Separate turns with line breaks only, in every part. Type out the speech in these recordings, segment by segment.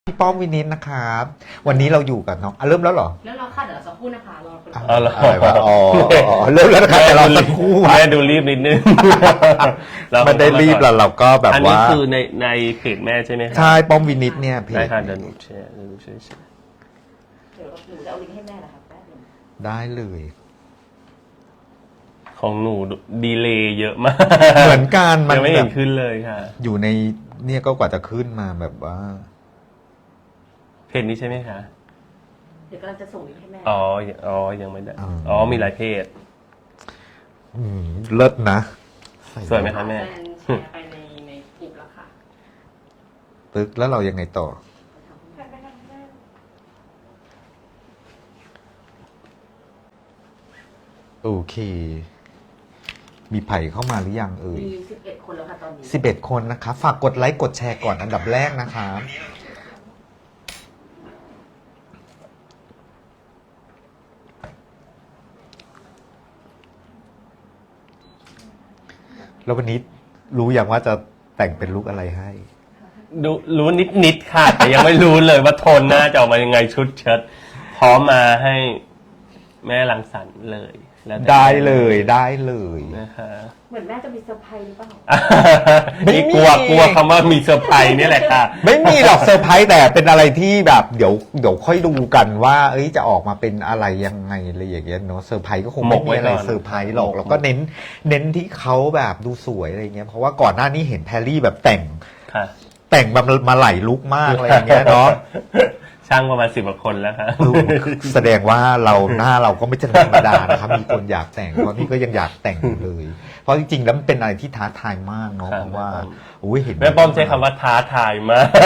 พี่ป้อมวินิจนะครับวันนี้เราอยู่กับน้องเริ่มแล้วเหรอ
แล้วเราค่ะเดี๋ยวสักครู่นะคะรอคน
อะไรวะเริ่มแล้วนะครับแต่เราสักครู่
แม่ดูรีบนิดนึง
มันได้รีบแล้วเราก็แบบว่าอันนี้
คือในเพจแม่ใช่ไหมครับ
ใช่ป้อมวินิจเนี่ยเพจ
ได้ค่ะเดี๋ยวหนูแชร์
เดี๋ยวหนูจะเอาลิงก์ให้แม่นะคะแป๊บนึง
ได้เลย
ของหนูดีเลย์เยอะมาก
เหมือนกัน
มันไม่เห็นขึ้นเลยค่ะ
อยู่ในเนี่ยก็กว่าจะขึ้นมาแบบว่า
เพจนี้ใช่ไหมคะ
เดี๋ยวกำลังจะส่งลิงก์ให้แม่
ยังไม่ได้มีหลายเพจ
เลิศนะ
สวยไหมคะแม่
แชร์ไปในกลุ่มแล้วค่ะ
ตึกแล้วเรายังไงต่อโอเคมีไผ่เข้ามาหรือยัง
มี11 คนแล้วค่ะตอนนี้
11 คนนะคะฝากกดไลค์กดแชร์ก่อนอันดับแรกนะคะแล้ววันนี้รู้อย่างว่าจะแต่งเป็นลุคอะไรให้
รู้นิดค่ะแต่ยังไม่รู้เลยว่าโทนหน้าจะออกมายังไงชุดเชิ้ตพร้อมมาให้แม่รังสรรค์เลย
ได้เลย
นะคะ
เหมือนแม่จะมีเซอร์ไพรส์หรือเปล่า
นี่กลัวคำว่ามีเซอร์ไพรส์นี่แหละค่ะ
ไม่มีหรอกเซอร์ไพรส์แต่เป็นอะไรที่แบบเดี๋ยวค่อยดูกันว่าจะออกมาเป็นอะไรยังไงอะไรอย่างเงี้ยเนาะเซอร์ไพรส์ก็คงไม่มีอะไรเซอร์ไพรส์หรอกแล้วก็เน้นที่เขาแบบดูสวยอะไรเงี้ยเพราะว่าก่อนหน้านี้เห็นแพรรี่แบบแต่งมาหลายลุคมากอะไรอย่างเงี้ยเนาะ
ช่างประมาณ10 กว่าคนแล้วครับ
แสดงว่าหน้าเราก็ไม่ใช่ธรรมดานะครับมีคนอยากแต่งเพราะนี่ก็ยังอยากแต่งอยู่เลยเพราะจริงๆแล้วมันเป็นอะไรที่ท้าทายมากเนาะเพราะว่าเห็น
แม่ป้อมใช้คำว่าท้าทายมาก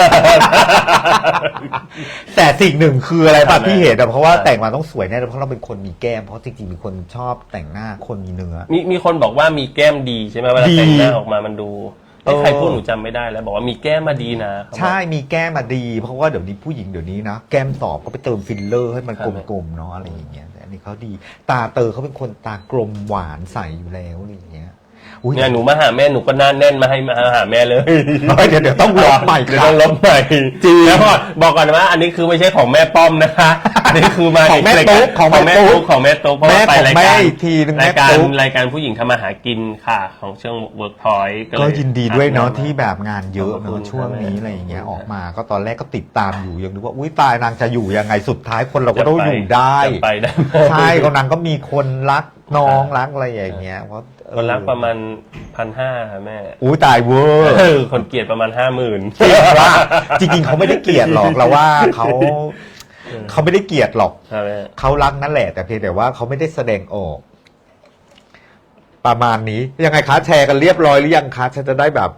แต่สิ่งหนึ่งคืออะไรป่ะที่เห็นเพราะว่าแต่งมาต้องสวยแน่เพราะเราเป็นคนมีแก้มเพราะจริงๆมีคนชอบแต่งหน้าคนมีเนื้อ
มีคนบอกว่ามีแก้มดีใช่ไหมเวลาแต่งหน้าออกมามันดูใครพูดหนูจำไม่ได้แล้วบอกว่ามีแก้มมาดีนะ
ใช่มีแก้มมาดีเพราะว่าเดี๋ยวนี้ผู้หญิงเดี๋ยวนี้นะแก้มสอบก็ไปเติมฟิลเลอร์ให้มันกลมๆเนาะอะไรอย่างเงี้ยแต่อันนี้เขาดีตาเตอเขาเป็นคนตากลมหวานใสอยู่แล้วอะไรอย่างเงี้ย
เนี่ยหนูมาหาแม่หนูก็หน้าแน่นมาให้มาหาแม่เลย
เดี๋ยวต้องลบใหม่
เดี๋ยวต้องลบใหม่จริงแล้วบอกก่อนว่าอันนี้คือไม่ใช่ของแม่ป้อมนะคะอันนี้คือมา
ของแม่ตุ๊ก
ของแม่ตุ๊กเพราะว่าไปรายการผู้หญิงทำมาหากินค่ะของช่วงเวิร์กพอยต์
ก็ยินดีด้วยเนาะที่แบบงานเยอะเนาะช่วงนี้อะไรอย่างเงี้ยออกมาก็ตอนแรกก็ติดตามอยู่ยังดูว่าอุ้ยตายนางจะอยู่ยังไงสุดท้ายคนเราก็ต้องอยู่ได้ใช่ก็นางก็มีคนรักน้องรักอะไรอย่างเงี้ยเพราะ
คนรักประมาณ1,500ค่ะแม่
อุ้ยตายเวอร์
คนเกลียดประมาณ
50,000ว่าจริงๆเขาไม่ได้เกลียดหรอกเราว่าเขาไม่ได้เกลียดหรอกเขารักนั่นแหละแต่เพียงแต่ว่าเขาไม่ได้แสดงออกประมาณนี้ยังไงคะแชร์กันเรียบร้อยหรือยังคะฉันจะได้แบบ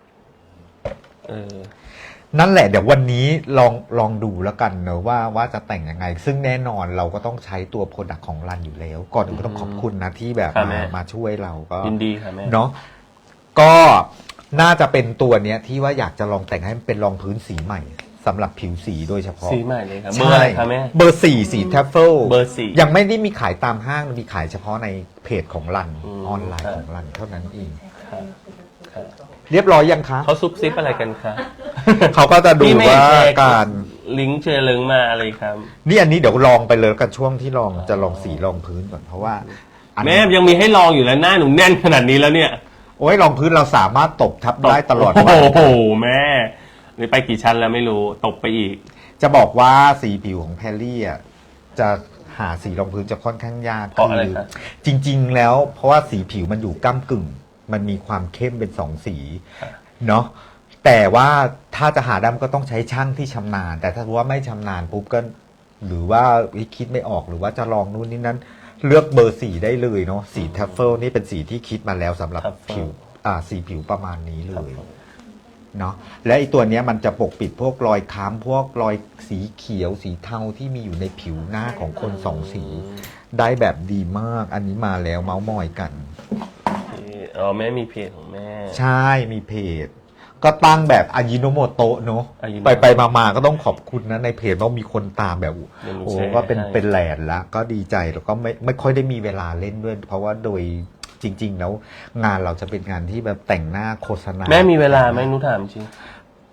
นั่นแหละเดี๋ยววันนี้ลองดูแล้วกันเนอะว่าจะแต่งยังไงซึ่งแน่นอนเราก็ต้องใช้ตัวโปรดักต์ของรันอยู่แล้วก่อนอื่นก็ต้องขอบคุณนะที่แบบมาช่วยเราก็
ยินดีค่ะแม่
เนาะก็น่าจะเป็นตัวเนี้ยที่ว่าอยากจะลองแต่งให้มันเป็นรองพื้นสีใหม่สำหรับผิวสีโดยเฉพาะ
สีใหม่เลยครับเบอร์อะไรคะแม่
เบอร์4สีทัฟเฟิล
เบอร์4
ยังไม่ได้มีขายตามห้างมีขายเฉพาะในเพจของรันออนไลน์ของรันเท่านั้นเองเรียบร้อยยังคะ
เขาซุบซิบอะไรกันคะ
เขาก็จะดูว่าการ
ลิงก์เชร์ลิงมาอะไรครับ
นี่อันนี้เดี๋ยวลองไปเลยกันช่วงที่จะลองสีลองพื้นก่อนเพราะว่า
แม่ยังมีให้ลองอยู่แล้วหน้าหนูแน่นขนาดนี้แล้วเนี่ย
โอ้ยลองพื้นเราสามารถตบทับได้ตลอด
วันโอ้โหแม่นี่ไปกี่ชั้นแล้วไม่รู้ตบไปอีก
จะบอกว่าสีผิวของแพรรี่อ่ะจะหาสีรองพื้นจะค่อนข้างยาก
เพราะอะไรครับ
จริงๆแล้วเพราะว่าสีผิวมันอยู่ก้ำกึ่งมันมีความเข้มเป็น2สีเนาะแต่ว่าถ้าจะหาดำก็ต้องใช้ช่างที่ชำนาญแต่ถ้าว่าไม่ชำนาญปุ๊บก็หรือว่าคิดไม่ออกหรือว่าจะลองนู่นนี่นั้นเลือกเบอร์สีได้เลยเนาะสีทัฟเฟิลนี่เป็นสีที่คิดมาแล้วสำหรับผิวสีผิวประมาณนี้เลยเนาะและไอตัวเนี้ยมันจะปกปิดพวกรอยค้ำพวกรอยสีเขียวสีเทาที่มีอยู่ในผิวหน้าของคน2สีได้แบบดีมากอันนี้มาแล้วเมาส์มอยกัน
แม่มีเพจของแม่
ใช่มีเพจก็ตั้งแบบอายิโนโมโตะเนาะไปมาก็ต้องขอบคุณนะในเพจว่ามีคนตามแบบโอ้ก็เป็นแหลนละก็ดีใจแล้วก็ไม่ค่อยได้มีเวลาเล่นด้วยเพราะว่าโดยจริงๆแล้วงานเราจะเป็นงานที่แบบแต่งหน้าโฆษณา
แม่มีเวลาไหมนุถามจริง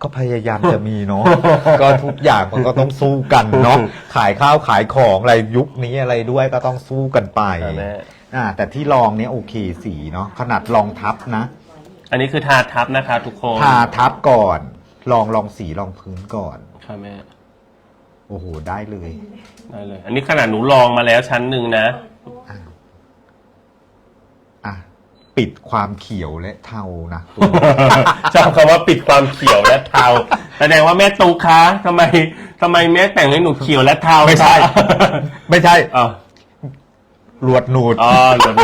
ก็พยายามจะมีเนาะ ก็ทุกอย่างมันก็ต้องสู้กันเนาะขายข้าวขายของอะไรยุคนี้อะไรด้วยก็ต้องสู้กันไป
แม่
แต่ที่ลองเนี้ยโอเคสีเนาะขนาดลองทับนะ
อันนี้คือทาทับนะคะทุกคน
ทาทับก่อนลองสีลองพื้นก่อน
ค่ะแม่
โอ้โหได้เลย
ได้เลย อันนี้ขนาดหนูลองมาแล้วชั้นหนึ่งนะ
อ่ะปิดความเขียวและเทานะ
ชอบคำว่าปิดความเขียวและเทาแสดงว่าแม่ตูคะทำไมแม่แต่งให้หนูเขียวและเทา
ไม่ใช่ ไม่ใช่
อ๋อ
หลวดหนูด
อ๋อหนู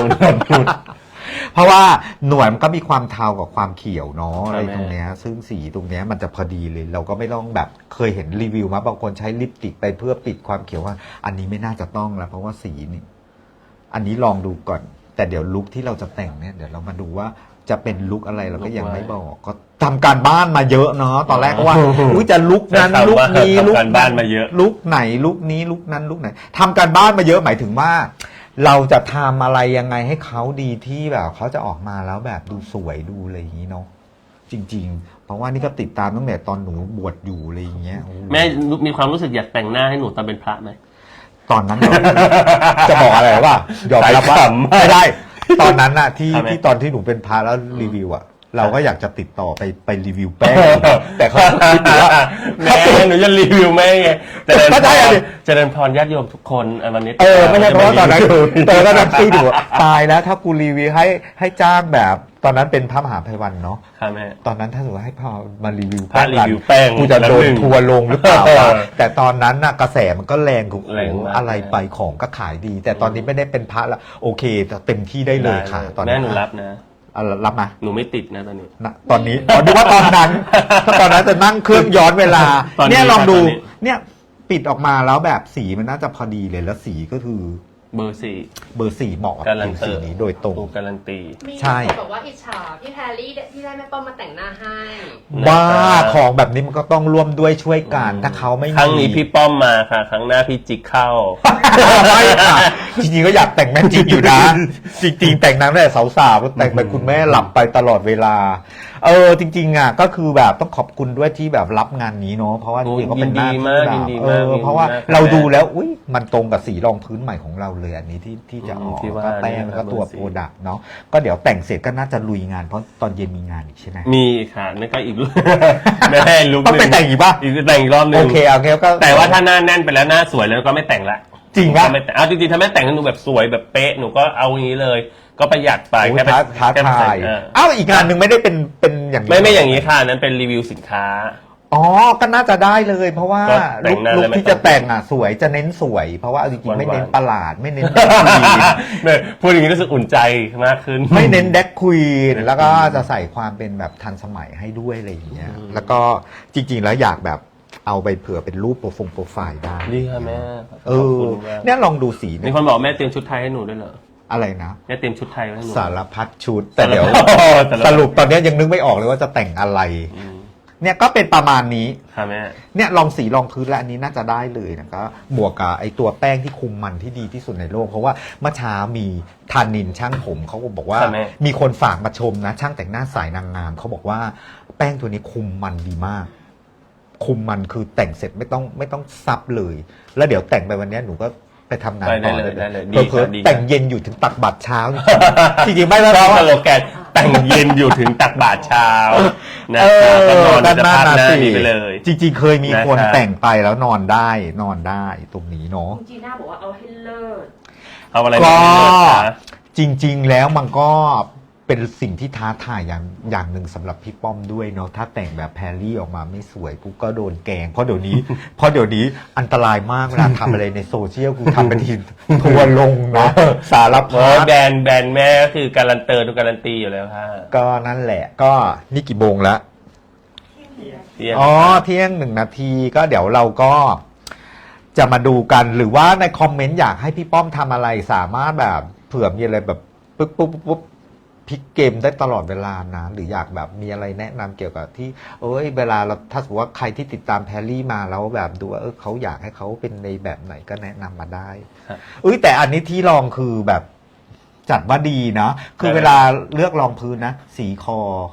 เพราะว่าหนวดมันก็มีความเทากับความเขียวเนาะ
ใช่
อะไร
ไหม
ตรงเนี้ยซึ่งสีตรงเนี้ยมันจะพอดีเลย เราก็ไม่ต้องแบบเคยเห็นรีวิวมาบางคนใช้ลิปสติกไปเพื่อปิดความเขียวว่า อันนี้ไม่น่าจะต้องแล้วเพราะว่าสีนี่อันนี้ลองดูก่อน แต่เดี๋ยวลุคที่เราจะแต่งเนี่ยเดี๋ยวเรามาดูว่าจะเป็นลุคอะไรเราก็ยังไม่บอก ก็ทำการบ้านมาเยอะเนาะตอนแรกก็ว่าอุ้ยจะลุคนั้นลุคนี้ลุค
ทำการบ้านมาเยอะ
ลุคไหนลุคนี้ลุคนั้นลุคไหนทำการบ้านมาเยอะหมายถึงว่า เราจะทำอะไรยังไงให้เขาดีที่แบบเขาจะออกมาแล้วแบบดูสวยดูอะไรอย่างนี้เนาะจริง ๆ เพราะว่านี่ก็ติดตามตั้งแต่ตอนหนูบวชอยู่อะไรอย่างเงี้ยโอ้โห
แม่มีความรู้สึกอยากแต่งหน้าให้หนูตอนเป็นพระไหม
ตอนนั้นจะบอกอะไรว่ายอมรับว่า
สายขำ
ไม่ได้ ตอนนั้นน่ะที่
ทำไม
ที่ตอนที่หนูเป็นพระแล้วรีวิวอ่ะ เราก็อยากจะติดต่อไปรีวิวแป้ง แต่เขาคิดว่า
แม่หนูจะรีวิวแม่ไงเจริญ
ก็
พ
ใช่
ร
อะดิ
เจริญพรญาติโยมทุกคนวันนี้
ไม่ใช่เพราะว่าตอนนั้นตอนนั้นที่ดูตายแล้วถ้ากูรีวิวให้จ้างแบบ ตอนนั้นเป็นพระมหาภัยวันเนาะ
ค่ะแม่
ตอนนั้นถ้าสมมติว่าให้พอมารีวิว
พระรีวิวแป้ง
กูจะโดน
แล้วหนึ่ง
ทัวร์ลงหรือเปล่าวะแต่ตอนนั้นน่ะกระแสมันก็แรงกู
แรงมาก
อะไรไปของก็ขายดี แต่ตอนนี้ไม่ได้เป็นพระแล้วโอเคเต็มที่ได้เลยค่ะ ตอน
แม่
นี้
หนูรับนะ
รับมา
หนูไม่ติดนะตอนนี้
นะตอนนี้ดูว่าตอนนั้น ถ้าตอนนั้นจะนั่งเครื่องย้อนเวลา
ตอนนี้
เนี่ยลองดู
ตอนนี้
เนี่ยปิดออกมาแล้วแบบสีมันน่าจะพอดีเลยแล้วสีก็คือ
เบอร์สี่
เบอร์4เหมาะกับ
การัน
ผิว
ตี
สีนี้โดยตรง
ถูกการันตี
มี
ใช่
คนบอกว่าอิจฉาพี่แพรรี่ที่ได้แม่ป้อมมาแต่งหน้าให้
ว่าของแบบนี้มันก็ต้องร่วมด้วยช่วยกันถ้าเขาไม่มี
ครั้งนี้พี่ป้อมมาค่ะ ครั้งหน้าพี่จิกเข้า
ไม่ค่ะจริงๆก็อยากแต่งแม่จริงอยู่นะ จริงๆแต่งนางตั้งแต่สาวๆแต่งไปคุณแม่หลับไปตลอดเวลาจริงๆอ่ะก็คือแบบต้องขอบคุณด้วยที่แบบรับงานนี้เนาะเพราะว่าจริงๆก็เป็นหน้าที่แบบ
ยินดีมาก
เพราะว่า
ยินดีมาก
เราดูแล้วอุ้ยมันตรงกับสีรองพื้นใหม่ของเราเลยอันนี้ที่จะออก
ที่ว่า
ก็แป้งแล้วก็ตัว
เบอร์
โป
สี่
รดักต์เนาะก็เดี๋ยวแต่งเสร็จก็น่าจะลุยงานเพราะตอนเย็นมีงานอีกใช่ไหม
มีค่ะนั่นก็อีก แม่ลุก
ต้องไปแต่งอีกป่ะ
อีกแต่งอีกรอบหนึ
โอง เคก็
แต่ว่าถ้าหน้าแน่นไปแล้วหน้าสวยแล้วก็ไม่แต่งละ
จริงป่ะ
ก็ไม่แต่งเอาจริงๆถ้าแม่แต่งให้หนูแบบสวยแบบเป๊ะหนูก็เอาอย่างนี้เลย ก็ประหยัดไป
โอ้ย
แค่ไป
ท้า
แค่ไป
ทาย
เออ
อ้าวอีกงานหนึ่งไม่ได้เป็นอย่างนี้
ไม่อย่างนี้ค่ะนั้นเป็นรีวิวสินค้า
อ๋อ ก็น่าจะได้เลย เพราะว่า
ก็แต่งหน้า
ลุ
แล้ว
ค
ไม่
ที่
ต้
จะ
อง
แต่งอ่ะสวยจะเน้นสวย เพราะว่าเอาจริงๆไม่เน้น
หวานๆ
ประหลาดไม่เน้นแดกควีน
เนี่ยพูดอย่างนี้รู้สึกอุ่นใจมากขึ้น
ไม่เน้นแดกควีนแล้วก็จะใส่ความเป็นแบบทันสมัยให้ด้วยอะไรอย่างเงี้ยแล้วก็จริงๆแล้วอยากแบบเอาไปเผื่อเป็นรูปโปรไฟล์ได้
ดีค่ะแม่
เอ
ขอบ
อ
คุณมาก
เนี่ยลองดูสี
มี
เนี่ย
คนบอกแม่เตรียมชุดไทยให้หนูด้วยเหรอ
อะไรนะ
แม่เตรียมชุดไทยไว้ให้หนู
สารพัดชุด แต่เดี๋ยว
สารพัด
สรุปตอนนี้ยังนึกไม่ออกเลยว่าจะแต่งอะไร
อืม
เนี่ยก็เป็นประมาณนี้
ค่ะแม่
เนี่ยลองสีลองพื้นแล้วอันนี้น่าจะได้เลยนะครับบวกกับไอตัวแป้งที่คุมมันที่ดีที่สุดในโลก เพราะว่าเมื่อเช้ามีธานินช่างผมเขาก็บอกว่า
ค่ะแม่
มีคนฝากมาชมนะ ช่างแต่งหน้าสายนางงามเขาบอกว่าแป้งตัวนี้คุมมันดีมาก คุมมันคือแต่งเสร็จไม่ต้องซับเลย แล้วเดี๋ยวแต่งไปวันนี้หนูก็ไปทำงานต่อ
ได้เลยดี
เพิ่
ค่ะดีค่ะ
แต่งเย็นอยู่ถึงตักบัตรเช้าจริงๆไม่แล้ว
ชอบ
เพ
ส
ราะ
โล
ว่า
แกนแต่งเย็นอยู่ถึงตักบาตรเช้านะ
เอ
คะก็น
อ
อน
ด้าน
จะ
หน้า
พัดหน้า
สิ
นี้ไปเลย
จริงๆเคยมีคน
นะครับ
แต่งไปแล้วนอนได้ตรงนี้เนาะ
คุณจีน่าบอกว่าเอาให้เลิศ
เอาอะไร
ก็
มาให้เลือกคะ
จริงๆแล้วมันก็เป็นสิ่งที่ท้าทายอย่างหนึ่งสำหรับพี่ป้อมด้วยเนาะถ้าแต่งแบบแพรรี่ออกมาไม่สวยกูก็โดนแกล้งเพราะเดี๋ยวนี้อันตรายมากเวลาทำอะไรในโซเชียลกูทำเป็นทีทัวร์ลงนะสาร
เพราะ
พัด
แบรนด์แม่ก็คือการันเตอร์ทุกการันตีอยู่แล้วค่ะ
ก็นั่นแหละก็นี่กี่โมงแล้ว
เที่ยง
อ๋อเที่ยง1 นาทีก็เดี๋ยวเราก็จะมาดูกันหรือว่าในคอมเมนต์อยากให้พี่ป้อมทำอะไรสามารถแบบเผื่อมีอะไรแบบปุ๊บพลิกเกมได้ตลอดเวลานะหรืออยากแบบมีอะไรแนะนำเกี่ยวกับที่เวลาเราถ้าสมมติว่าใครที่ติดตามแพรรี่มาแล้วแบบดูว่าเขาอยากให้เขาเป็นในแบบไหนก็แนะนำมาได้
ครับ
แต่อันนี้ที่ลองคือแบบจัดว่าดีนะคือเวลาเลือกรองพื้นนะสีคอ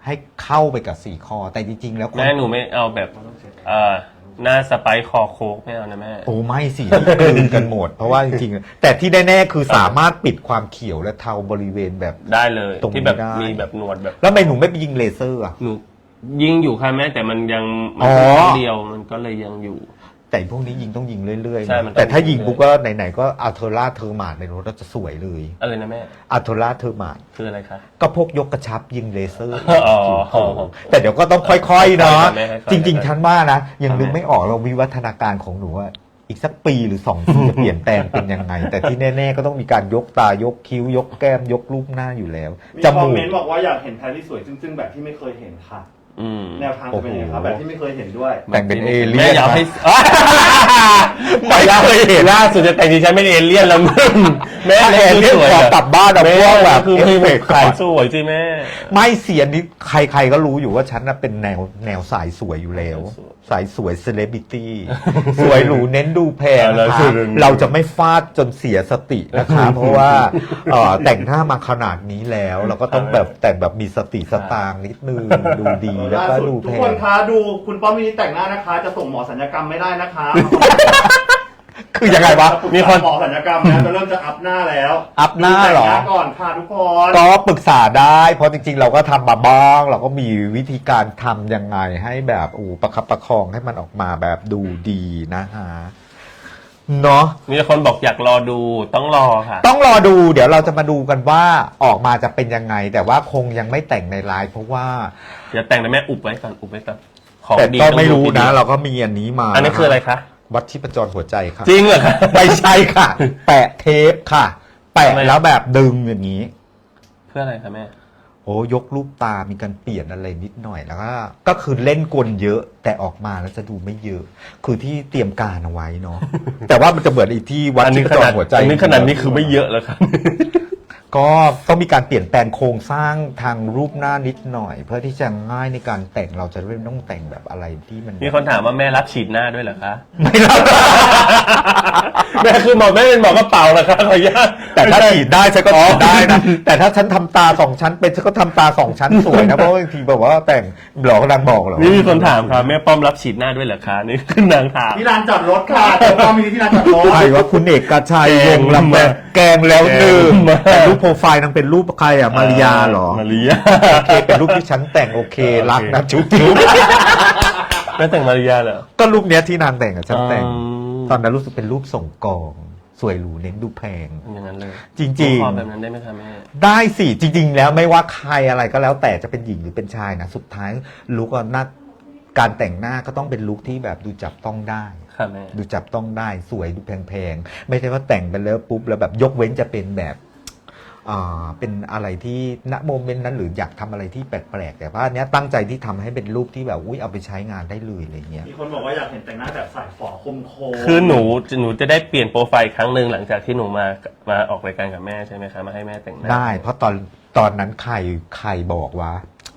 ให้เข้าไปกับ4ข้อแต่จริงๆแล้วคน
แม่หนูไม่เอาแบบหน้าสไปค์คอโคกไม่เอานะแม่
โอ้ไม่สิกลืนกันหมด เพราะว่าจริงๆแต่ที่แน่ๆคือสามารถปิดความเขียวและเทาบริเวณแบบ
ได้เลย
ตรงนี้
ที่แบบ
ได้
มีแบบหนวดแบบ
แล้วทำไมหนูไม่ไปยิงเลเซอร์อ่ะ
หนูยิงอยู่ค่ะแม่แต่มันยังมั
อ๋อ
ครั้งเดียวมันก็เลยยังอยู่
แต่พวกนี้ยิงต้องยิงเรื่อยๆ
ใช่
นะ
มันต้อง
แต่ถ้ายิง
ยิง
ปุ๊บก็ไหนๆก็อัลเทอร่าเทอร์มาดในรถจะสวยเลย
อะไรนะแม่
อัลเทอร่าเทอร์มาด
คืออะไรคะ
ก็พวกยกกระชับยิงเลเซอร์
อ๋อ
แต่เดี๋ยวก็ต้องค่อยๆเนาะ
ค่อยๆค่อยๆ
จริงๆฉันว่านะยังนึก
ค่อยๆ
ไม่ออกเราวิวัฒนาการของหนูว่าอีกสักปีหรือ2 ปีจะเปลี่ยนแปลงเป็นยังไง แต่ที่แน่ๆก็ต้องมีการยกตายกคิ้วยกแก้มยกรูปหน้าอยู่แล้ว
มี
จ
คอม
มู
เม
ก
นต์บอกว่าอยากเห็นแพรรี่สวยจึ้งๆแบบที่ไม่เคยเห็นค่ะ
อืม
แนวทางจะเป็นยังไงครับแบบที่ไม่เคยเห็นด้วย
แต่งเป็นเอเลี่
แม่
ยน
อยากให้
ไม่เคยเห็น
ล่าสุดจะแต่งดิฉันเป็นเอเลี่ยนแล้วมึงแม่
แอร์เรียก
สวย
ขอกลับบ้านเอา
แม่
พวกแบบ
คือ
เอ
ไม่
ฟเฟกต์
ขายสวยสิแม่
ไม่เสียนี้ใครๆก็รู้อยู่ว่าฉันน่ะเป็นแนวสายสวยอยู่แล้ว สายสวยเซเลบริตี้ สวยหรูเน้นดูแพงนะคะ เราจะไม่ฟาดจนเสียสตินะคะ เพราะว่าแต่งหน้ามาขนาดนี้แล้ว เราก็ต้องแบบแต่งแบบมีสติสตางค์นิดนึงดูดีแล้ว
ล่า
ก็
สุด
ดู
ทุ
แพ
กคน
ง
คะดูคุณป้อมมินิแต่งหน้านะคะ จะส่งหมอสัญญกรรมไม่ได้นะคะ
คือยังไงวะ
มีคน
หมอสัญญกรรมนะจะเริ่มจะอัพหน้าแล้ว
อัพหน้าเหรอ
แต่งหน้าก่อนค่ะทุกคน
ก็ปรึกษาได้เพราะจริงๆ เราก็ทำมาบ้าง เราก็มีวิธีการทำยังไงให้แบบประคับประคองให้มันออกมาแบบดูดีนะฮะเนาะ
มีคนบอกอยากรอดูต้องรอค่ะ
ต้องรอดูเดี๋ยวเราจะมาดูกันว่าออกมาจะเป็นยังไง แต่ว่าคงยังไม่แต่งในไลฟ์เพราะว่า
อย่าแต่งนะแม่อุบไว้ก่อนอุบไว้ก่อนของ
แต่
ดี
ก็
ต้อง
ไม่รู้
ดู
นะ
ทีดียว
เราก็มีอันนี้มา
อันนี้คืออะไรคะ
วัดชีพจรหัวใจค่ะ
จริงเหรอคะ
ไม่ใช่ค่ะ แปะเทปค่ะ แปะ
ทำไม
แล้วแบบดึงอย่างนี้
เพื่ออะไรคะแม่
โอ้ยกรูปตามีการเปลี่ยนอะไรนิดหน่อยแล้วก็คือเล่นกลเยอะแต่ออกมาแล้วจะดูไม่เยอะ คือที่เตรียมการเอาไว้เนาะ แต่ว่ามันจะเหมือนอีกที่วัด
อัน
ชี
นี้
พ
ข
จร
นาด
หัวใจ
อันนี้ขนาดนี้คือไม่เยอะแล้วครับ
ก็ต้องมีการเปลี่ยนแปลงโครงสร้างทางรูปหน้านิดหน่อย เพื่อที่จะง่ายในการแต่งเราจะไม่ต้องแต่งแบบอะไรที่มัน
มีคนถามว่าแม่รับฉีดหน้าด้วยเหรอคะ
ไม่รับ
แม่คือหมอแม่เป็นหมอกระเป๋าเหรอคะขออนุญาต
แต่ถ้าฉีดได้ฉันก็ฉีดได้นะ แต่ถ้าฉันทำตา2 ชั้นเป็นฉันก็ทำตา2 ชั้นสวยนะ เพราะว่าบางทีแบบว่าแต่งหลอกนางบอกเหรอ
นี่มีคนถามครับแม่ป้อมรับฉีดหน้าด้วยเหรอคะนี่คือนางถาม
ที่ลานจอดรถค่ะเจอป้อมมินิที่ลานจอดรถ
ใครว่าคุณเอกชัย
แก
ว
ง
งลำแบบแกงแล้วหนึ่ง
แกงมาก
แต่รูปโปรไฟล์นางเป็นรูปใครอ่ะมาริยาเหรอ
มาริยา
โอเคเป็นรูปที่ฉันแต่งโอเค
โอเค
รักนะจุ๊บ
แม่แต่งมาริยาเหรอ
ก็รูปเนี้ยที่นางแต่งอ่ะฉันแต่ง
อืม
ตอนนั้นรู้สึกเป็นรูปส่งกอง สวยหรูเน้นดูแพง
อย่างนั้นเลย
จริง
ขอแบบนั้นได้ไหมคะแม่
ๆ ได้สิจริง ๆ แล้วไม่ว่าใครอะไรก็แล้วแต่จะเป็นหญิงหรือเป็นชายนะสุดท้ายลุคหน้าการแต่งหน้าก็ต้องเป็นลุคที่แบบดูจับต้องได้
ค่ะแม่
ดูจับต้องได้สวยดูแพงๆ ไม่ใช่ว่าแต่งไปแล้วปุ๊บแล้วแบบยกเว้นจะเป็นแบบเป็นอะไรที่ณโมเมนต์นั้นหรืออยากทำอะไรที่แปลกๆ แต่ว่าอันเนี้ยตั้งใจที่ทำให้เป็นรูปที่แบบอุ้ยเอาไปใช้งานได้เลยอะไรเงี้ย
มีคนบอกว่าอยากเห็นแต่งหน้าแบบสายฝอคมโคม
คือหนูจะได้เปลี่ยนโปรไฟล์ครั้งหนึ่งหลังจากที่หนูมาออกรายการกับแม่ใช่ไหมคะมาให้แม่แต่งหน้า
ได้ เพราะตอนนั้นใครบอกว่า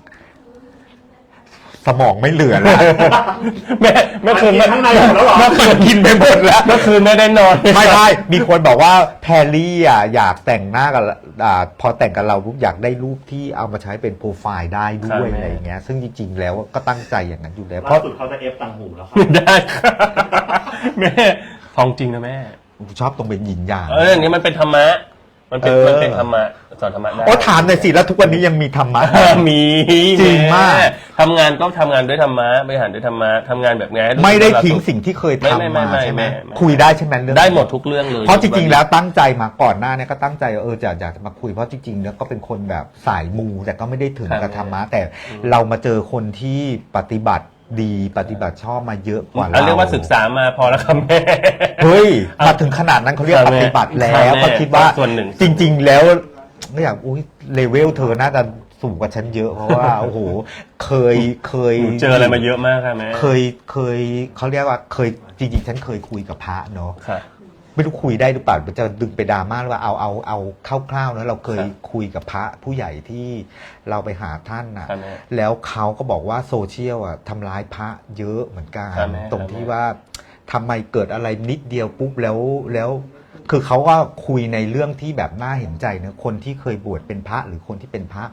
สมองไม่เหลือแล้ว
แม่คืน
กินข้างในหมดแล้วเหรอ
เมื่อคืนกินไปหมดแล้ว
เมื่อคืนไม่ได้นอน
ไม่มีคนบอกว่าแพรรี่อยากแต่งหน้ากับพอแต่งกับเราปุ๊บอยากได้รูปที่เอามาใช้เป็นโปรไฟล์ได้ด้วยอะไรอย่างเงี้ย ซึ่งจริงๆแล้วก็ตั้งใจอย่างนั้นอยู่แล้ว เพ
ล่า
ราะ
สุดเขาจะเอฟตังหูแล้วค่ะ
ได้ค่ะแม่ทองจริงนะแม่
ชอบตรงเป็นหยินหยาง
อย่างนี้มันเป็นธรรมะ มันเป็นธรรมะสอนธรรมะได้
โอ้ถามหน่อยสิแล้วทุกวันนี้ยังมีธรรมะ
มี
จริงมาก
ทำงานก็ทำงานด้วยธรรมะบริหารด้วยธรรมะทำงานแบบไงให้รู้สึก
ไม่ได้
ว่าเรา
ทิ้ง
สุข
สิ่งที่เคย
ไม่
ทำมาใช่ไหม
ไม่
คุยได้ใช่ไหมเรื่อง
ได้หมดทุกเรื่องเลย
เพราะจริงๆแล้วตั้งใจมาก่อนหน้าเนี่ยก็ตั้งใจอยากจะมาคุยเพราะจริงๆแล้วก็เป็นคนแบบสายมูแต่ก็ไม่ได้ถึงกับธรรมะแต่เรามาเจอคนที่ปฏิบัติดีปฏิบัติชอบมาเยอะกว่า
อัน
เรา
เรียกว่าศึกษามาพอแล้วครับแม่
เฮ้ยมาถึงขนาดนั้นเขาเรียกปฏิบัติแล้ว
ครับแม่
ก็คิดว่า
ส่วนหนึ่ง
จริง ๆ แล้วไม่อยากอุ้ยเลเวลเธอน่าจะสูงกว่าฉันเยอะเพราะว่า โอ้โหเคย
หนูเจออะไรมาเยอะมากค่ะแม่
เคยเขาเรียกว่าเคยจริงๆฉันเคยคุยกับพระเนาะ
ค่ะ
ไม่รู้คุยได้หรือเปล่าจะดึงไปดราม่าหรือว่าเอาคร่าวๆนะเราเคย
ครับ
คุยกับพระผู้ใหญ่ที่เราไปหาท่านนะครับ
แม่
แล้วเขาก็บอกว่าโซเชียลอ่ะทำร้ายพระเยอะเหมือนกัน
ครับแม่
ตรง
ครับ
ที่
แม่
ว่าทำไมเกิดอะไรนิดเดียวปุ๊บแล้ว คือเขาก็คุยในเรื่องที่แบบน่าเห็นใจนะคนที่เคยบวชเป็นพระหรือคนที่เป็นพระ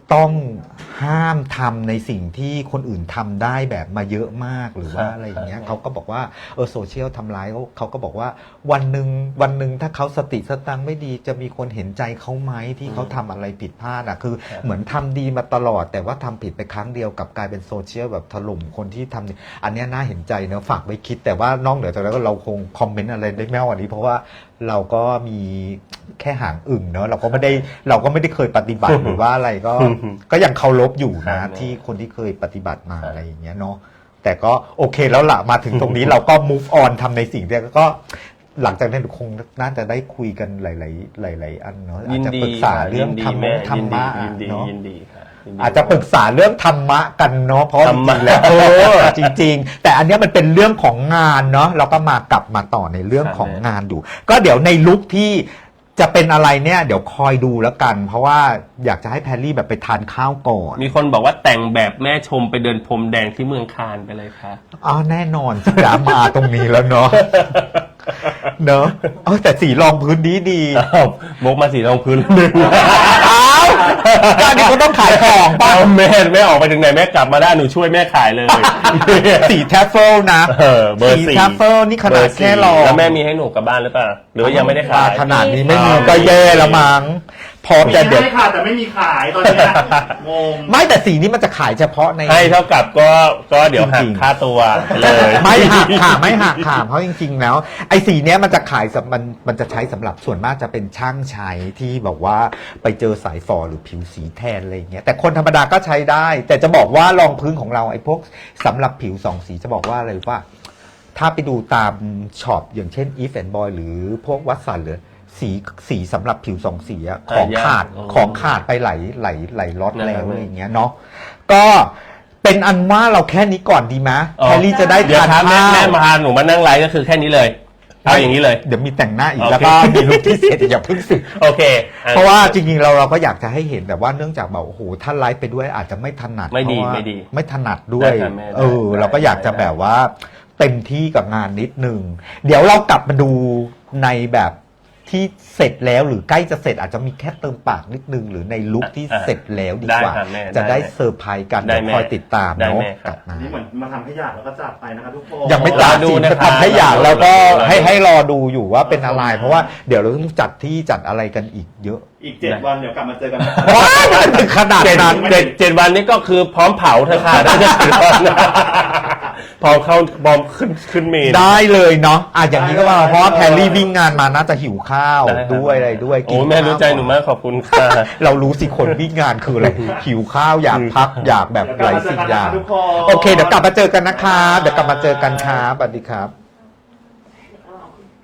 ต้องห้ามทำในสิ่งที่คนอื่นทำได้แบบมาเยอะมากหรือว่า
ครับ
อะไรอย่างเงี้ย
ครับ
เขาก็บอกว่าโซเชียลทำร้ายเขาก็บอกว่าวันหนึ่งถ้าเขาสติสตังค์ไม่ดีจะมีคนเห็นใจเขาไหมที่เขาทำอะไรผิดพลาดอ่ะคือเหมือนทำดีมาตลอด แต่ว่าทำผิดไปครั้งเดียวกับกลายเป็นโซเชียลแบบถล่มคนที่ทำดีอันเนี้ยน่าเห็นใจเนอะฝากไว้คิด แต่ว่านอกเหนือจากนั้นก็เราคงคอมเมนต์อะไรได้ไม่มากกว่านี้ เพราะว่าเราก็มีแค่หางอึ่งเนอะเราก็ไม่ได้เคยปฏิบัติหรือว่าอะไรก็ยังเคารพอยู่นะ
ครับ
ที่คนที่เคยปฏิบัติมาอะไรอย่างเงี้ยเนาะแต่ก็โอเคแล้วล่ะมาถึงตรงนี้เราก็ move on ทำในสิ่งที่ก็หลังจากนั้นคงน่าจะได้คุยกันหลายอันเนาะอา
ยิ
จ
น
จะ
ดี
ปรึกษาเรื่องธรรมะ
ยินดี
เนาะ
ยินดีค่ะยินดี
อาจจะปรึกษาเรื่องธรรมะกันเนาะเพราะ
ธรรมะ
จริงๆแล้วจริง ๆ แต่อันเนี้ยมันเป็นเรื่องของงานเนาะเราก็กลับมาต่อในเรื่องของงานอยู่ ก็เดี๋ยวในลุคที่จะเป็นอะไรเนี่ยเดี๋ยวคอยดูแล้วกัน เพราะว่าอยากจะให้แพรรี่แบบไปทานข้าวก่อน
มีคนบอกว่าแต่งแบบแม่ชมไปเดินพรมแดงที่เมืองคานไปเลยค่ะ
อ๋อแน่นอนสิจ๋ามาตรงนี้แล้วเนาะเนาะแต่สีรองพื้นดี
อ้าวมกมาสีรองพื้นหนึ่ง
อ้าวตอนนี้เขาต้องขายของป่ะ
ป้าแม่ออกไปถึงไหนแม่กลับมาได้หนูช่วยแม่ขายเลย
สีแทฟเฟิลนะ
เบอร์
สี
สี่
แทฟเฟิลนี่ขนาดแค่รอง
แล้วแม่มีให้หนูกลับบ้านหรือเปล่าหรือว่ายังไม่ได้ขาย
ขนาดนี้ไม่มีก็แย่แล้วมั้งพร้อม
มี
จะเด็ด
ให้ค่ะแต่ไม่มีขายตอนเนี้ยงง
ไม่แต่สีนี้มันจะขายเฉพาะใน
ให้เท่ากับก็เดี๋ยวหั
จ
ก
ริงๆ
ค่าตัวไปเลย
ไม่หักค่ะไม่หักค่ะเพราะจริงๆแล้วไอ้สีเนี้ยมันจะขายมันจะใช้สำหรับส่วนมากจะเป็นช่างใช้ที่บอกว่าไปเจอสายฝอหรือผิวสีแทนอะไรอย่างเงี้ยแต่คนธรรมดาก็ใช้ได้ แต่จะบอกว่ารองพื้นของเราไอ้พวกสำหรับผิวสองสีจะบอกว่าอะไรว่า ถ้าไปดูตามช็อปอย่างเช่น Eve and Boy หรือพวกวัตสันหรือสีสำหรับผิวสองสีอะของขาดไปหลายล็อตแล้วอะไรอย่างเงี้ยเนาะก็เป็นอันว่าเราแค่นี้ก่อนดีไหม
อ๋อ
แพรรี่จะได้
เดี๋ยว
ทาน
ครับ
ข้าว
แม่มาหนูมานั่งไลฟ์ก็คือแค่นี้เลยเอาอย่างนี้เลย
เดี๋ยวมีแต่งหน้าอีก
โอเค
แล้วก็มีลุคที่เสร็จอย่าเพิ่งสึก
โอเค
เพราะว่าจริงๆเราก็อยากจะให้เห็นแบบว่าเนื่องจากแบบโอ้โหถ้าไลฟ์ไปด้วยอาจจะไม่ถนัด
ไม่ดี
เพราะว่า
ไม่ดี
ไม่ถนัดด้วย
ได้ครับแม่ได้ได้
เราก็อยากจะ
ได้
แบบว่าเต็มที่กับงานนิดนึงเดี๋ยวเรากลับมาดูในแบบที่เสร็จแล้วหรือใกล้จะเสร็จอาจจะมีแค่เติมปากนิดนึงหรือในลุคที่เสร็จแล้วดีกว่า
ได้ครับแม่
จะได้
ได้
เซอร์ไพรส์กัน
ได้
เดี๋ยว
แม่
คอยติดตาม
ได้
เนาะ
แม่ครับ
กลับมา
นี่เหมือนมาทำให้อยากแล้วก็จากไปนะคะทุกคน
ยังไม่ตัด
รอดู
สิน
นะครับ
ทำให้อยากแล้วก็
รอดู
ให้รอดูอยู่ว่าเป็นอะไร เพราะว่าเดี๋ยวเราต้องจัดที่จัดอะไรกันอีกเยอะ
อีก 7 วันเดี๋ยวกลับมาเจอกันนะ
ว้ายมันถึงขนาดนั้น
เจ็ดวันนี้ก็คือพร้อมเผาเธอค่ะได้จะถึงตอนนั้นพร้อมขึ้นเมน
ได้เลยเนาะอย่างนี้ก็ว่าเพราะว่าแพรรี่วิ่งงานมาน่าจะหิวข้าว
ได้ครับ
ด้วยอะไรด้วย
โอ้แม่รู้ใจหนูมากขอบคุณค่ะ
เรารู้สิคนวิ่งงานคืออะไรหิวข้าวอยากพักอยากแบบหลายสิ่งอย่าง
ทุกคน
โอเคเดี๋ยวกลับมาเจอกันนะครับเดี๋ยวกลับมาเจอกันครับสวัสดีครับ
เ